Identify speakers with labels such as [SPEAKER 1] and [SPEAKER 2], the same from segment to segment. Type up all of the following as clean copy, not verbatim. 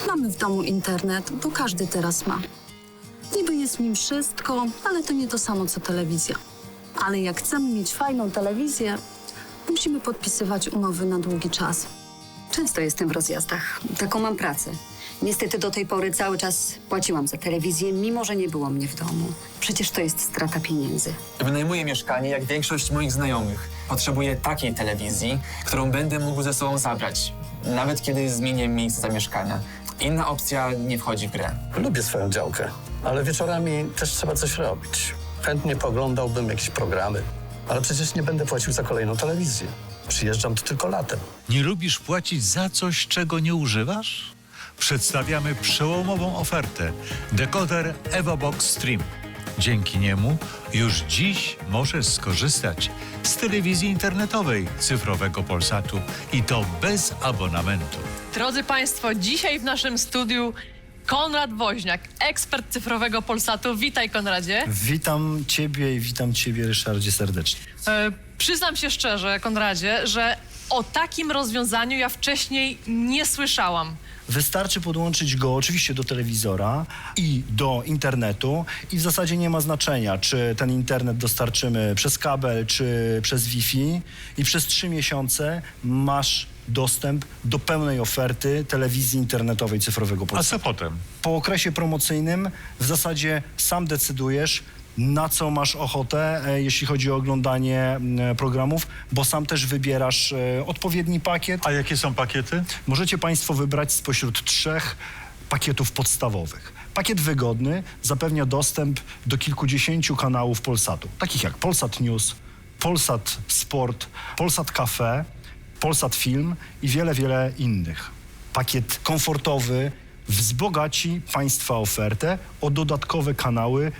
[SPEAKER 1] Mamy w domu internet, bo każdy teraz ma. Niby jest w nim wszystko, ale to nie to samo co telewizja. Ale jak chcemy mieć fajną telewizję, musimy podpisywać umowy na długi czas.
[SPEAKER 2] Często jestem w rozjazdach. Taką mam pracę. Niestety do tej pory cały czas płaciłam za telewizję, mimo że nie było mnie w domu. Przecież to jest strata pieniędzy.
[SPEAKER 3] Wynajmuję mieszkanie jak większość moich znajomych. Potrzebuję takiej telewizji, którą będę mógł ze sobą zabrać, nawet kiedy zmienię miejsce zamieszkania. Inna opcja nie wchodzi w grę.
[SPEAKER 4] Lubię swoją działkę, ale wieczorami też trzeba coś robić. Chętnie pooglądałbym jakieś programy, ale przecież nie będę płacił za kolejną telewizję. Przyjeżdżam tu tylko latem.
[SPEAKER 5] Nie lubisz płacić za coś, czego nie używasz? Przedstawiamy przełomową ofertę. Dekoder EvoBox Stream. Dzięki niemu już dziś możesz skorzystać z telewizji internetowej cyfrowego Polsatu i to bez abonamentu.
[SPEAKER 6] Drodzy Państwo, dzisiaj w naszym studiu Konrad Woźniak, ekspert cyfrowego Polsatu. Witaj, Konradzie.
[SPEAKER 7] Witam Ciebie i witam Ciebie, Ryszardzie, serdecznie.
[SPEAKER 6] Przyznam się szczerze, Konradzie, że o takim rozwiązaniu ja wcześniej nie słyszałam.
[SPEAKER 7] Wystarczy podłączyć go oczywiście do telewizora i do internetu i w zasadzie nie ma znaczenia, czy ten internet dostarczymy przez kabel, czy przez Wi-Fi i przez 3 miesiące masz dostęp do pełnej oferty telewizji internetowej cyfrowego
[SPEAKER 5] A
[SPEAKER 7] Polsatu.
[SPEAKER 5] co potem?
[SPEAKER 7] Po okresie promocyjnym w zasadzie sam decydujesz, na co masz ochotę, jeśli chodzi o oglądanie programów, bo sam też wybierasz odpowiedni pakiet.
[SPEAKER 5] A jakie są pakiety?
[SPEAKER 7] Możecie Państwo wybrać spośród 3 pakietów podstawowych. Pakiet wygodny zapewnia dostęp do kilkudziesięciu kanałów Polsatu, takich jak Polsat News, Polsat Sport, Polsat Cafe, Polsat Film i wiele, wiele innych. Pakiet komfortowy wzbogaci Państwa ofertę o dodatkowe kanały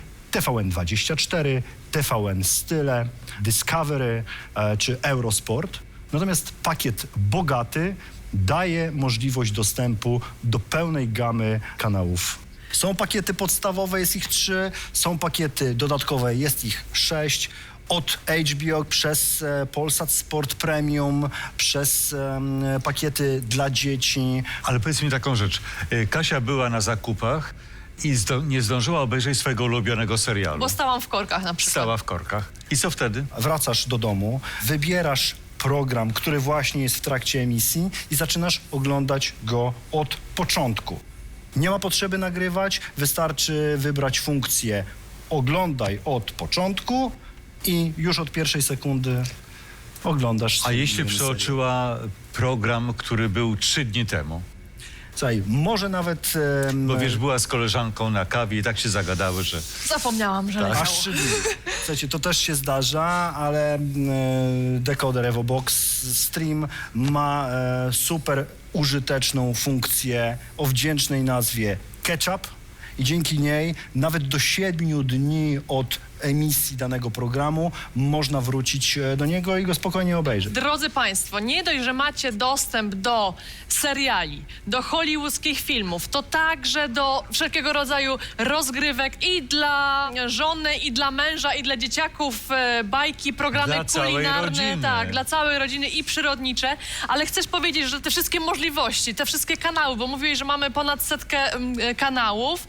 [SPEAKER 7] TVN24, TVN Style, Discovery czy Eurosport. Natomiast pakiet bogaty daje możliwość dostępu do pełnej gamy kanałów. Są pakiety podstawowe, jest ich 3, są pakiety dodatkowe, jest ich 6. Od HBO przez Polsat Sport Premium, przez pakiety dla dzieci.
[SPEAKER 5] Ale powiedz mi taką rzecz. Kasia była na zakupach i nie zdążyła obejrzeć swojego ulubionego serialu.
[SPEAKER 6] Bo stałam w korkach na przykład.
[SPEAKER 5] Stała w korkach. I co wtedy?
[SPEAKER 7] Wracasz do domu, wybierasz program, który właśnie jest w trakcie emisji i zaczynasz oglądać go od początku. Nie ma potrzeby nagrywać, wystarczy wybrać funkcję oglądaj od początku i już od pierwszej sekundy oglądasz.
[SPEAKER 5] A jeśli
[SPEAKER 7] serial.
[SPEAKER 5] przeoczyła program, który był 3 dni temu?
[SPEAKER 7] Słuchaj, może nawet...
[SPEAKER 5] Bo wiesz, była z koleżanką na kawie i tak się zagadały, że...
[SPEAKER 6] Zapomniałam, że leciało.
[SPEAKER 7] Aż 3 dni. Słuchajcie, to też się zdarza, ale dekoder EvoBox Stream ma super użyteczną funkcję o wdzięcznej nazwie Ketchup i dzięki niej nawet do 7 dni od emisji danego programu można wrócić do niego i go spokojnie obejrzeć.
[SPEAKER 6] Drodzy Państwo, nie dość, że macie dostęp do seriali, do hollywoodzkich filmów, to także do wszelkiego rodzaju rozgrywek i dla żony, i dla męża, i dla dzieciaków, bajki, programy
[SPEAKER 5] Dla całej
[SPEAKER 6] kulinarne,
[SPEAKER 5] rodziny.
[SPEAKER 6] tak, dla całej rodziny i przyrodnicze, ale chcesz powiedzieć, że te wszystkie możliwości, te wszystkie kanały, bo mówiłeś, że mamy ponad 100 kanałów,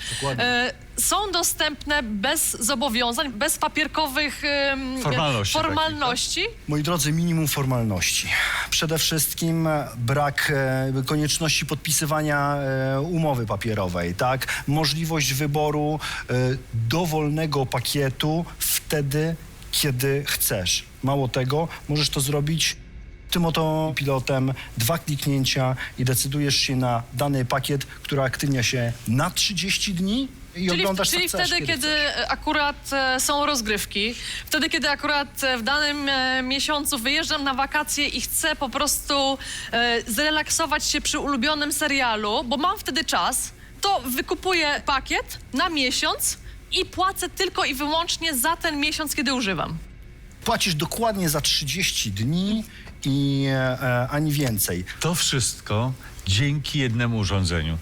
[SPEAKER 6] są dostępne bez zobowiązań, bez papierkowych formalności.
[SPEAKER 7] Moi drodzy, minimum formalności. Przede wszystkim brak konieczności podpisywania umowy papierowej, tak? Możliwość wyboru dowolnego pakietu wtedy, kiedy chcesz. Mało tego, możesz to zrobić tym oto pilotem, 2 kliknięcia i decydujesz się na dany pakiet, który aktywnia się na 30 dni i oglądasz co
[SPEAKER 6] Czyli
[SPEAKER 7] chcesz,
[SPEAKER 6] wtedy, kiedy akurat są rozgrywki, wtedy, kiedy akurat w danym miesiącu wyjeżdżam na wakacje i chcę po prostu zrelaksować się przy ulubionym serialu, bo mam wtedy czas, to wykupuję pakiet na miesiąc i płacę tylko i wyłącznie za ten miesiąc, kiedy używam.
[SPEAKER 7] Płacisz dokładnie za 30 dni i ani więcej.
[SPEAKER 5] To wszystko dzięki jednemu urządzeniu.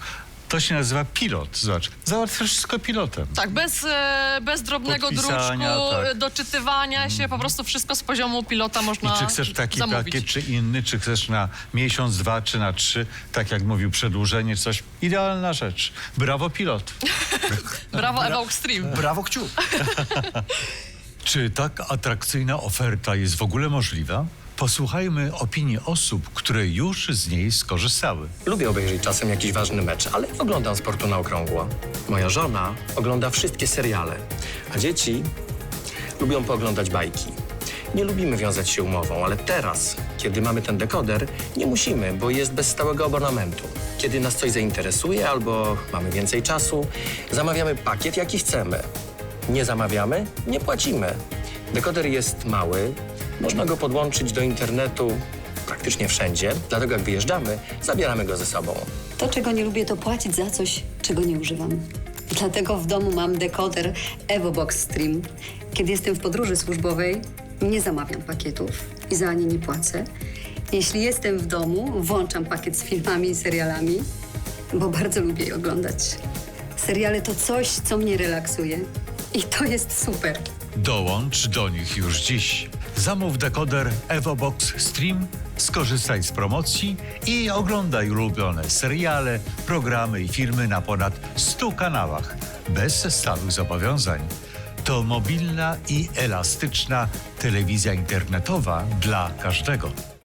[SPEAKER 5] To się nazywa pilot. Zobacz, załatwiasz wszystko pilotem.
[SPEAKER 6] Tak, bez drobnego
[SPEAKER 5] Podpisania,
[SPEAKER 6] druczku,
[SPEAKER 5] tak.
[SPEAKER 6] doczytywania się, po prostu wszystko z poziomu pilota można
[SPEAKER 5] I czy chcesz taki
[SPEAKER 6] zamówić.
[SPEAKER 5] pakiet, czy inny, czy chcesz na miesiąc, 2, czy na 3, tak jak mówił, przedłużenie, coś. Idealna rzecz. Brawo, pilot.
[SPEAKER 6] Brawo, Evox Stream.
[SPEAKER 7] Brawo, kciuk.
[SPEAKER 5] Czy tak atrakcyjna oferta jest w ogóle możliwa? Posłuchajmy opinii osób, które już z niej skorzystały.
[SPEAKER 8] Lubię obejrzeć czasem jakiś ważny mecz, ale nie oglądam sportu na okrągło. Moja żona ogląda wszystkie seriale, a dzieci lubią pooglądać bajki. Nie lubimy wiązać się umową, ale teraz, kiedy mamy ten dekoder, nie musimy, bo jest bez stałego abonamentu. Kiedy nas coś zainteresuje albo mamy więcej czasu, zamawiamy pakiet, jaki chcemy. Nie zamawiamy, nie płacimy. Dekoder jest mały, można go podłączyć do internetu praktycznie wszędzie, dlatego jak wyjeżdżamy, zabieramy go ze sobą.
[SPEAKER 2] To, czego nie lubię, to płacić za coś, czego nie używam. Dlatego w domu mam dekoder EvoBox Stream. Kiedy jestem w podróży służbowej, nie zamawiam pakietów i za nie nie płacę. Jeśli jestem w domu, włączam pakiet z filmami i serialami, bo bardzo lubię je oglądać. Seriale to coś, co mnie relaksuje. I to jest super.
[SPEAKER 5] Dołącz do nich już dziś. Zamów dekoder EvoBox Stream, skorzystaj z promocji i oglądaj ulubione seriale, programy i filmy na ponad 100 kanałach, bez stałych zobowiązań. To mobilna i elastyczna telewizja internetowa dla każdego.